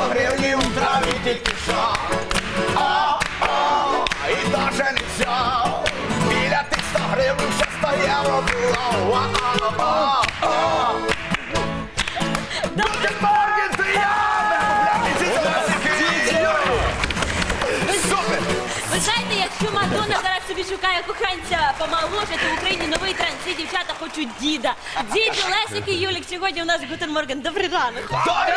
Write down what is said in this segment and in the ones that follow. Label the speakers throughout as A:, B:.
A: гривнів в траві тільки що. І даже не взяв. Біля тих 100 гривень ще 100 євро було. Гутен Морген, це я! Супер!
B: Ви знаєте, якщо Мадонна зараз собі шукає коханця помоложе, то в Україні новий тренд. Всі дівчата хочуть діда. Діду, Лесик і Юлік. Сьогодні у нас Гутен Морген. Добрий ранок.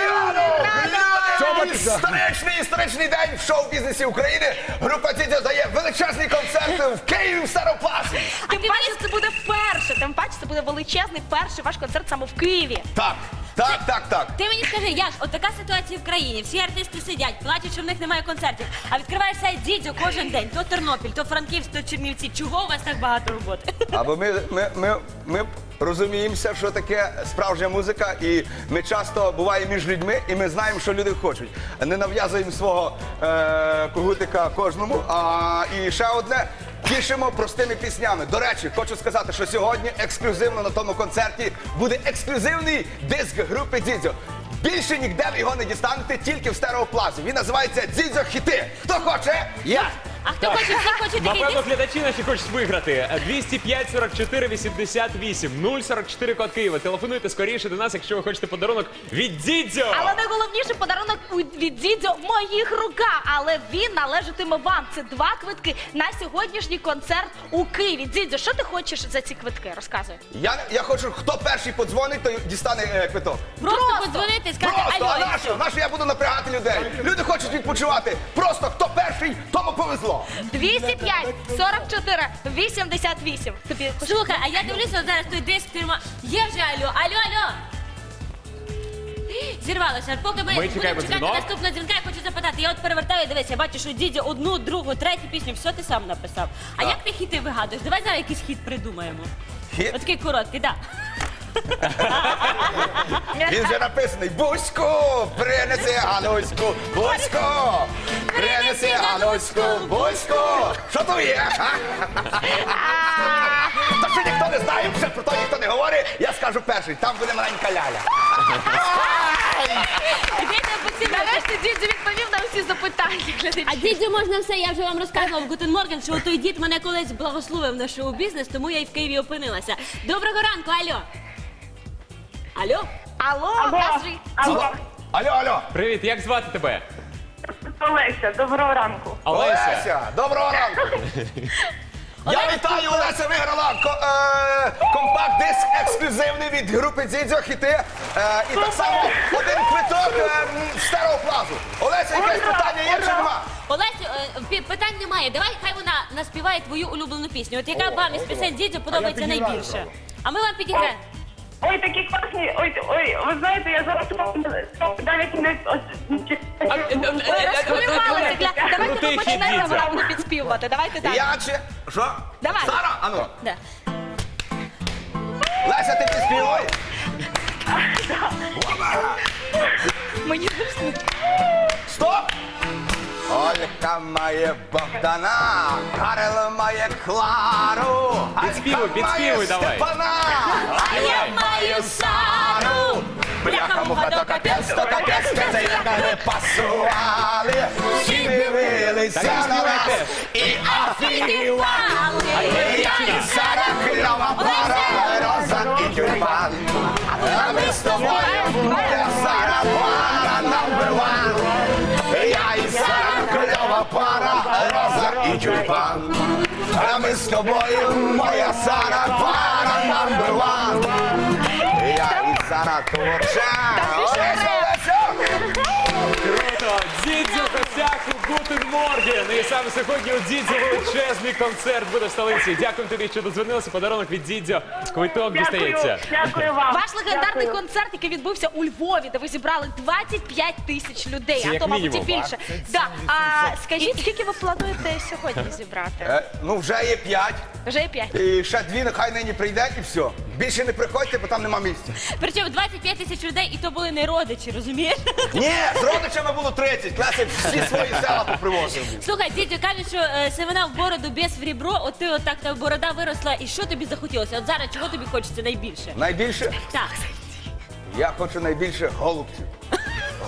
A: Історичний день в шоу-бізнесі України. Група Дідьо дає величезний концерт в Києві в Староплазі.
C: Тим паче це буде вперше, тим паче це буде величезний перший ваш концерт саме в Києві.
A: Так.
B: Ти мені скажи, Яш, от така ситуація в країні. Всі артисти сидять, плачуть, що в них немає концертів. А відкриваєш сайт Дідьо кожен день. То Тернопіль, то Франківськ, то Чернівці. Чого у вас так багато роботи?
A: Або ми розуміємося, що таке справжня музика, і ми часто буваємо між людьми, і ми знаємо, що люди хочуть. Не нав'язуємо свого когутика кожному. І ще одне. Тішимо простими піснями. До речі, хочу сказати, що сьогодні ексклюзивно на тому концерті буде ексклюзивний диск групи Дідьо. Більше ніде ви його не дістанете, тільки в Стереоплазі. Він називається «Дідьо хіти». Хто хоче? Я!
B: А хто хоче, всі хочуть такий
D: Напевно,
B: диск?
D: глядачі наші хочуть виграти. 205 44 88 044 код Києва. Телефонуйте скоріше до нас, якщо ви хочете подарунок від Дідьо.
C: Але найголовніший подарунок від Дідьо в моїх руках. Але він належатиме вам. Це 2 квитки на сьогоднішній концерт у Києві. Дідьо, що ти хочеш за ці квитки? Розказуй.
A: Я хочу, хто перший подзвонить, той дістане квиток.
B: Просто подзвонити і сказати
A: Просто,
B: алло.
A: а
B: і все.
A: нащо я буду напрягати людей? Люди хочуть відпочивати. Просто хто перший, тому повезло.
C: 205 44 88. Тобі
B: Слухай, а я дивлюся, от зараз той диск фірма. Є вже алло, алло. Зірвалося. Поки ми будемо
D: чекаємо
B: чекати
D: дзвінок.
B: наступного дзвінка, я хочу запитати. Я от перевертаю, дивись, я бачу, що Дідьо одну, другу, третю пісню, все ти сам написав. А як ти хіти вигадуєш? Давай зараз якийсь хіт придумаємо.
A: Хіт?
B: Отакий короткий, так.
A: Він вже написаний. Бузьку, принеси Гануську, Бузьку, принеси Гануську, Бузьку. Що то є? Та що ніхто не знає, вже про то ніхто не говорить, я скажу перший, там буде маленька ляля.
C: Нарешті Дідьо відповів на всі запитання глядачів.
B: А Дідьо можна все, я вже вам розказувала в Гутен Морген, що той дід мене колись благословив на шоу-бізнес, тому я і в Києві опинилася. Доброго ранку, алло. Алло?
C: Алло, кажи.
A: Алло.
D: Привіт, як звати тебе?
E: Олеся, доброго ранку.
A: Олеся, доброго ранку. Я вітаю, Олеся виграла компакт-диск ексклюзивний від групи Дідьо хіти. І так само один квиток в Стереоплазу. Олеся, якесь питання є чи нема?
B: Олесю, питань немає. Давай, хай вона наспіває твою улюблену пісню. От яка вам із пісень Дідьо подобається найбільше? А ми вам підіграємо.
E: Ой, такі класні, ой, ви знаєте, я зараз навіть не...
C: Розхвилювалися. Давайте
D: Крутий
C: ви
D: хіт,
C: почнемо
D: Дідьо.
C: правильно підспівувати. Давайте так.
A: Я чи... Що?
C: Давай.
A: Сара, ану.
B: Да.
A: Леся, ти підспівай.
C: Мені зручно.
A: Стоп! Олька має Богдана, Карел має Клару,
D: Підспівуй, давай.
A: Степана,
B: А я маю Сару.
A: бляха-муха, то капець, це як не пасували, всі дивилися на нас і офігівали. Я і Сара, кльова пара, роза і тюльпан, а ми з тобою, моя Сара, пара number one. Я і Сара, кльова пара, роза і тюльпан, а ми з тобою, моя Сара, пара number one. Я і Сара творча. Олеся!
D: Круто! Дідьо гостях у Гутен Морген. І саме сьогодні у Дідьо величезний концерт буде в столиці. Дякую тобі, що дозвонилася. Подарунок від Дідьо. Квиток дістається.
E: Дякую вам.
C: Ваш легендарний
E: Дякую.
C: концерт, який відбувся у Львові, де ви зібрали 25 тисяч людей,
D: Це
C: а
D: як
C: то, мабуть, і
D: мінімум.
C: більше. Да. А скажіть, скільки ви плануєте сьогодні зібрати?
A: Ну, вже є 5.
C: Вже є 5.
A: І ще 2 нехай нині прийде і все. Більше не приходьте, бо там нема місця.
B: Причому 25 тисяч людей, і то були не родичі, розумієш?
A: Ні, з родичами було 30. Класи всі свої села попривозив.
B: Слухай, Дідьо, кажуть, що семена в бороду, без в рібро, от ти отак та борода виросла, і що тобі захотілося? От зараз чого тобі хочеться найбільше?
A: Найбільше?
B: Так.
A: Я хочу найбільше голубців.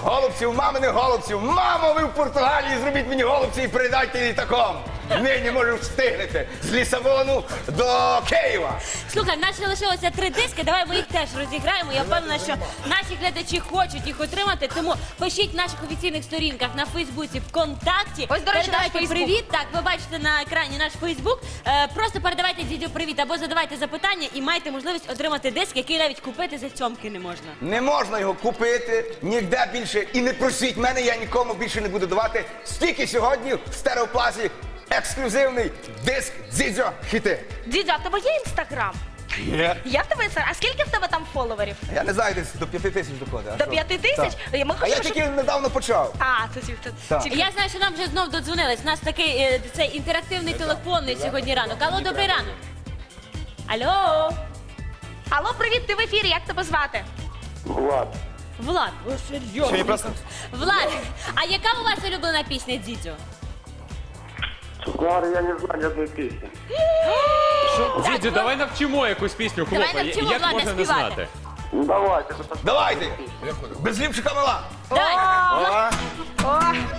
A: голубців, маминих голубців. Мамо, ви в Португалії, зробіть мені голубці і передайте літаком. Нині, може, встигнете з Лісабону до Києва.
B: Слухай, в нас ще лишилося 3 диски, давай ми їх теж розіграємо. Я впевнена, що наші глядачі хочуть їх отримати, тому пишіть в наших офіційних сторінках на Фейсбуці, ВКонтакті.
C: Ось, до речі, наш
B: передавайте
C: Фейсбук.
B: привіт. Так, ви бачите на екрані наш Фейсбук. Просто передавайте дідю привіт або задавайте запитання і маєте можливість отримати диск, який навіть купити за цьомки не можна.
A: Не можна його купити ніде більше. І не просіть мене, я нікому більше не буду давати. Стільки сьогодні в стереоплазі ексклюзивний диск Дзідзьо хіти.
C: Дідзьо, а в тебе є інстаграм?
A: Є.
C: Є в тебе інстаграм? А скільки в тебе там фоловерів?
A: Я не знаю, десь до 5 тисяч доходить.
C: До 5 тисяч?
A: А я тільки недавно почав.
C: А, це
A: Так.
C: тільки...
B: Я знаю, що нам вже знов додзвонились. У нас такий цей інтерактивний телефонний сьогодні ранок. Алло, добрий ранок. Алло.
C: Алло, привіт, ти в ефірі, як тебе звати?
E: Влад.
B: Влад, ви серйозно?
A: Сьогодні просто
B: Влад, а яка у вас улюблена пісня Дідзьо?
E: Честно говоря, я не знаю ни одной песни.
D: Дідзю, давай навчимо якусь пісню,
B: Давай
D: хлопа.
B: навчимо
D: Як
B: Влада
D: можна не
B: співати.
D: знати?
E: Ну давайте. это
A: давайте. Без ліпшика мала.
B: Давай.
C: О,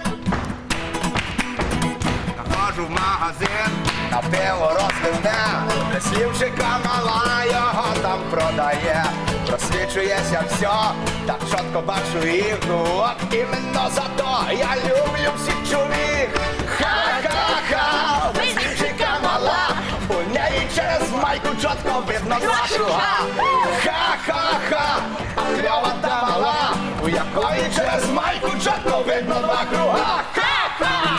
A: Заходжу в магазин, на пиво розливне, слівчика мала його там продає. Просвічується все, так чітко бачу їх. От іменно за то я люблю всіх чоловік. Ха-ха-ха, слівчика мала, у неї через майку чітко видно два круга. Ха-ха-ха, а кльова та мала, у якої через майку чітко видно два круга. Ха-ха!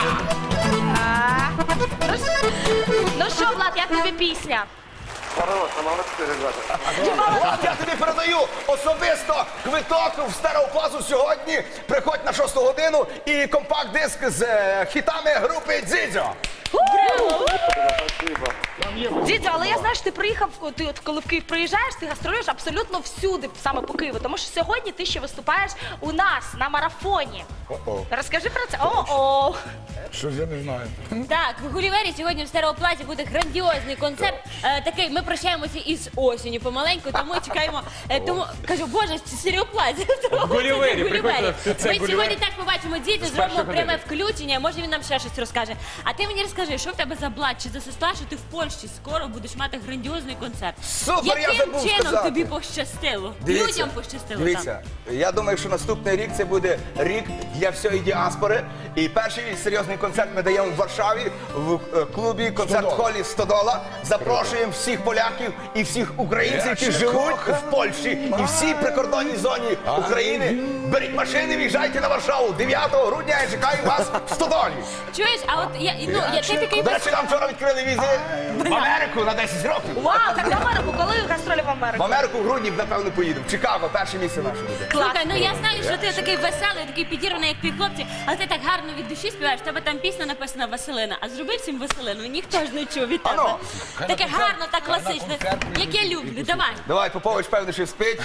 C: ну що, Влад, як тобі пісня?
E: Хорошо, молодцы, ребята.
A: От я тобі передаю особисто квиток в стереоплазу сьогодні. Приходь на 6 годину і компакт-диск з хітами групи Дзідзьо.
E: Спасибо.
C: Дідзьо, але я знаю, що ти приїхав, ти от коли в Київ приїжджаєш, ти гастролюєш абсолютно всюди, саме по Києву. Тому що сьогодні ти ще виступаєш у нас на марафоні. Розкажи про це. О-о.
A: Що ж я не знаю.
B: Так, в Гулівері сьогодні в стереоплазі буде грандіозний концерт. Такий, ми прощаємося із осінню помаленьку, тому чекаємо. Тому кажу, боже, це стереоплазі.
D: В Гулівері, приходьте, це
B: Ми
D: Гулівер.
B: сьогодні так побачимо дітей, зробимо
D: першої
B: пряме
D: години.
B: включення. Може він нам ще щось розкаже. А ти мені розкажи, що в тебе за блат чи за сестра, що ти в Польщі скоро будеш мати грандіозний концерт.
A: Супер, я
B: Яким
A: забув
B: чином
A: сказати.
B: тобі пощастило? Людям пощастило
A: Дивіться, я думаю, що наступний рік це буде рік для всієї діаспори. І перший серйозний концерт ми даємо в Варшаві в клубі концерт-холі «Стодола». Запрошуємо всіх поляків і всіх українців, які живуть в Польщі і всій прикордонній зоні України. Беріть машини, в'їжджайте на Варшаву. 9 грудня я чекаю вас в Стодолі.
B: Чуєш, а от ти такий
A: До речі, нам вчора відкрили візи в Америку на 10 років.
C: Вау, так в Америку, коли гастролі в
A: В
C: Америку?
A: Америку в грудні, напевно, поїдемо. В Чикаго, перше місце наше буде.
B: Слухай, ну я знаю, що ти такий веселий, такий підірваний, як твій хлопці, але ти так гарно від душі співаєш. В тебе там пісня написана Василина. А зроби всім Василину, ніхто ж не чув від тебе.
A: Ано.
B: Таке гарно, так класичне, як я люблю. Давай.
A: Давай, Попович, певно, що спить.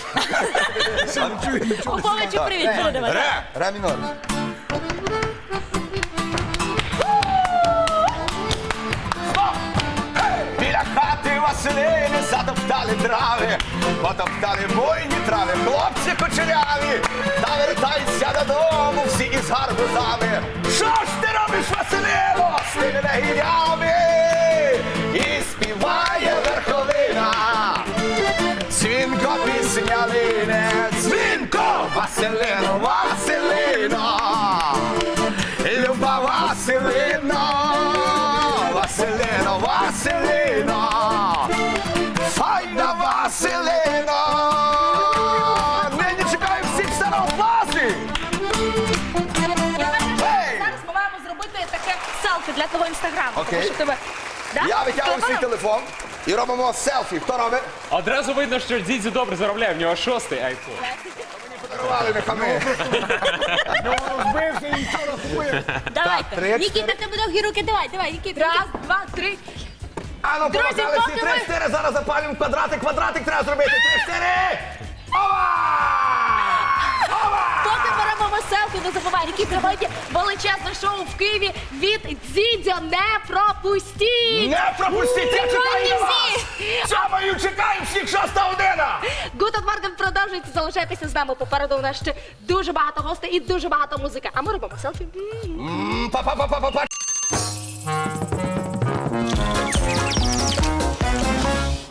B: Поповичу привіт, передавай.
A: Ре мінор. Стоп! Біля хати Василини затоптали трави, потоптали буйні трави, хлопці кучеряві, та вертаються додому всі із гарбузами. Що ж ти робиш, Василино, з тими негідями? І співає верховина. Дзвінко пісня лине, дзвінко, Василино, Василино, люба Василино, Василино, Василино, файна Василино, нині чекаю всіх в стереоплазі.
C: Зараз ми маємо зробити таке селфі для твого інстаграму.
A: Окей.
C: Тому що тебе... Да?
A: Я витягую свій телефон і робимо селфі. Хто робить?
D: Одразу видно, що Дідзю добре заробляє, в нього 6-й айфон.
A: Подарували не хами.
B: Давайте.
A: три,
B: Нікіта, в тебе довгі руки, давай, Нікіта.
C: Раз, два, три.
A: А ну,
C: Друзі,
A: показали всі
C: поки ми-
A: 3-4, зараз запалюємо квадратик треба зробити. 3-4. Ова!
C: Поки беремо селфі, не забувай, Нікіта, сьогодні величезне шоу в Києві від Дзідзьо. Не пропустіть!
A: Не пропустіть, я чекаю
C: Приходьте
A: на вас!
C: всі!
A: Сьомою чекаємо всіх 6 година! Івана!
C: Гутен Морген продовжується, залишайтеся з нами. Попереду у нас ще дуже багато гостей і дуже багато музики. А ми робимо селфі.
A: Па-па-па-па-па!